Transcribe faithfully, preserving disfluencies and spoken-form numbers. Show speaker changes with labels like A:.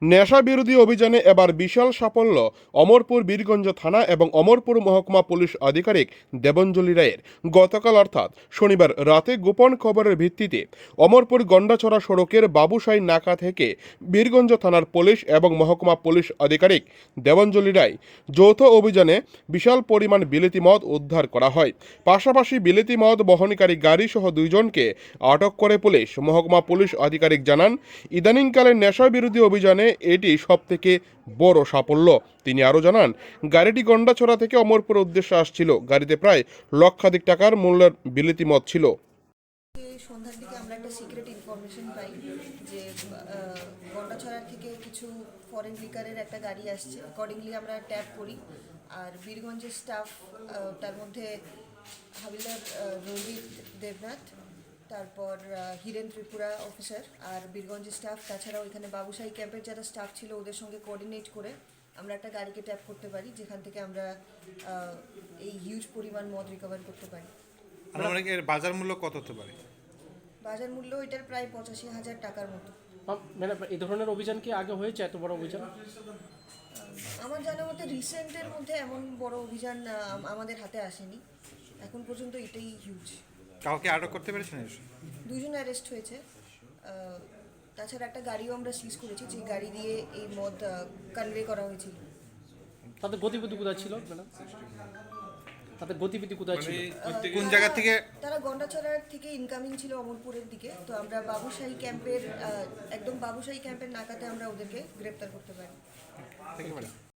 A: নেশা বিরোধী অভিযানে এবার বিশাল সাফল্য অমরপুর বীরগঞ্জ থানা এবং অমরপুর মহকুমা পুলিশ আধিকারিক দেবঞ্জলি রায়ের। গতকাল অর্থাৎ শনিবার রাতে গোপন খবরের ভিত্তিতে অমরপুর গন্ডাছড়া সড়কের বাবুসাই নাকা থেকে বীরগঞ্জ থানার পুলিশ এবং মহকুমা পুলিশ আধিকারিক দেবঞ্জলি রায় যৌথ অভিযানে বিশাল পরিমাণ বিলেতি মদ উদ্ধার করা হয়। পাশাপাশি বিলেতি মদ বহনকারী গাড়ি সহ দুইজনকে আটক করে পুলিশ। মহকুমা পুলিশ আধিকারিক জানান, ইদানিংকালে নেশা বিরোধী অভিযানে এটি সবথেকে বড় সাফল্য। তিনি আরও জানান, গাড়িটি গন্ডাছড়া থেকে অমরপুর উদ্দেশ্যে আসছিল। গাড়িতে প্রায় লক্ষাধিক টাকার মূল্যের বিলেতি মদ ছিল।
B: সন্ধ্যার দিকে আমরা একটা সিক্রেট ইনফরমেশন পাই যে গন্ডাছড়া থেকে কিছু ফরেন লিকারের একটা গাড়ি আসছে। অ্যাকর্ডিংলি আমরা ট্যাপ করি, আর বীরগঞ্জের স্টাফ, তার মধ্যে হাবিলদার রোহিত দেবনাথ, তারপর হিরেন ত্রিপুরা অফিসার আর বীরগঞ্জের স্টাফ, তাছাড়াও এখানে বাবুসাই ক্যাম্পের যারা স্টাফ ছিল ওদের সঙ্গে কোঅর্ডিনেট করে আমরা একটা গাড়িকে ট্যাপ করতে পারি, যেখান থেকে আমরা এই হিউজ পরিমাণ মদ রিকভার করতে পারি।
C: আনুমানিক এর বাজার মূল্য কত হতে পারে?
B: বাজার মূল্য এটার প্রায় পঁচাশি হাজার টাকার মতো।
D: ম্যাডাম, এই ধরনের অভিযান কি আগে হয়েছে, এত বড় অভিযান?
B: আমার জানা মতে রিসেন্টের মধ্যে এমন বড় অভিযান আমাদের হাতে আসেনি এখন পর্যন্ত, এটাই হিউজ।
C: কাউকে আটক করতে পেরেছেন?
B: দুজন অ্যারেস্ট হয়েছে। তাছাড়া একটা গাড়িও আমরা সিজ করেছি, যে গাড়ি দিয়ে এই মদ কনভে করা হয়েছিল।
D: তাদের গতিবিধি কোথায় ছিল ম্যাডাম? তাদের গতিবিধি কোথায় ছিল?
C: কোন জায়গা থেকে?
B: তারা গন্ডাছড়ার থেকে ইনকামিং ছিল অমরপুরের দিকে। তো আমরা বাবুসাই ক্যাম্পের একদম বাবুসাই ক্যাম্পের নাকাতে আমরা ওদেরকে গ্রেপ্তার করতে পারি।
C: Thank you madam.